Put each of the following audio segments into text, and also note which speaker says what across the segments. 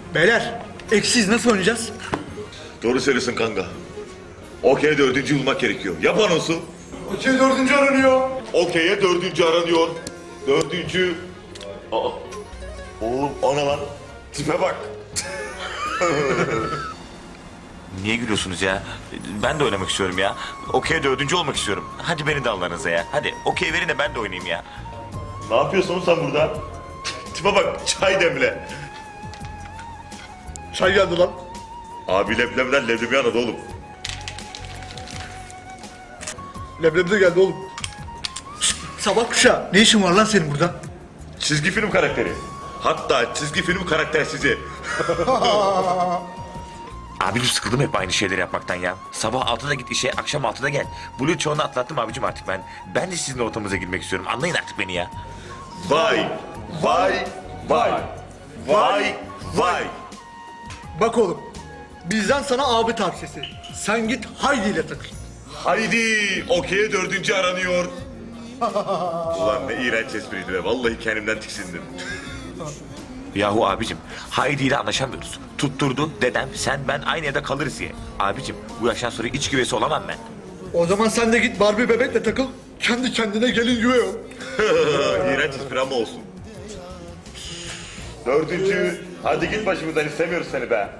Speaker 1: Beyler, eksiz nasıl oynayacağız?
Speaker 2: Doğru söylüyorsun kanka. Okey dördüncü bulmak gerekiyor. Yap anonsu.
Speaker 1: Okey dördüncü aranıyor.
Speaker 2: Okey'e dördüncü aranıyor. Dördüncü... Aa. Oğlum ana lan. Tipe bak.
Speaker 3: Niye gülüyorsunuz ya? Ben de oynamak istiyorum ya. Okey dördüncü olmak istiyorum. Hadi beni de Allah'ınıza ya. Hadi okey verin de ben de oynayayım ya.
Speaker 2: Ne yapıyorsun oğlum sen burada? Tipe bak, çay demle.
Speaker 1: Çay geldi lan.
Speaker 2: Abi leblemden leblebi anadı oğlum.
Speaker 1: Leblebi de geldi oğlum. Şşt, sabah kuşağı. Ne işin var lan senin burada?
Speaker 2: Çizgi film karakteri. Hatta çizgi film karaktersizi.
Speaker 3: Abicim sıkıldım hep aynı şeyleri yapmaktan ya. Sabah 6'da git işe, akşam 6'da gel. Blue çoğunu atlattım abicim artık ben. Ben de sizin ortamınıza girmek istiyorum. Anlayın artık beni ya.
Speaker 2: Vay, vay, vay. Vay, vay.
Speaker 1: Bak oğlum. Bizden sana abi tavsiyesi. Sen git Haydi ile takıl.
Speaker 2: Haydi, okey'e dördüncü aranıyor. Ulan ne iğrenç espriydi be. Vallahi kendimden tiksindim.
Speaker 3: Yahu abicim, Haydi ile anlaşamıyoruz. Tutturdu dedem, sen ben aynı evde kalırız diye. Abicim bu yaştan sonra iç güveysi olamam ben.
Speaker 1: O zaman sen de git Barbie bebekle takıl. Kendi kendine gelin güve ol.
Speaker 2: İğrenç espri ama olsun. Dördüncü, hadi git başımızdan, istemiyoruz seni be.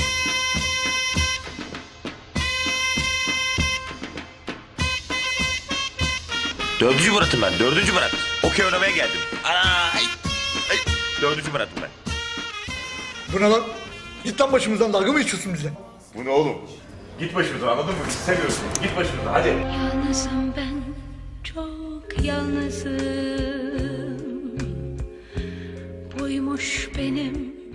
Speaker 3: Dördüncü Murat'ım ben, dördüncü Murat. Okey oynamaya geldim. Ay. Dördüncü Murat'ım ben.
Speaker 1: Bu ne lan? Git lan başımızdan, dalga mı geçiyorsun bize?
Speaker 2: Bu ne oğlum? Git başımızdan, anladın mı? İstemiyoruz seni. Git başımızdan, hadi.
Speaker 4: Yalnızım ben, çok yalnızım. Buymuş benim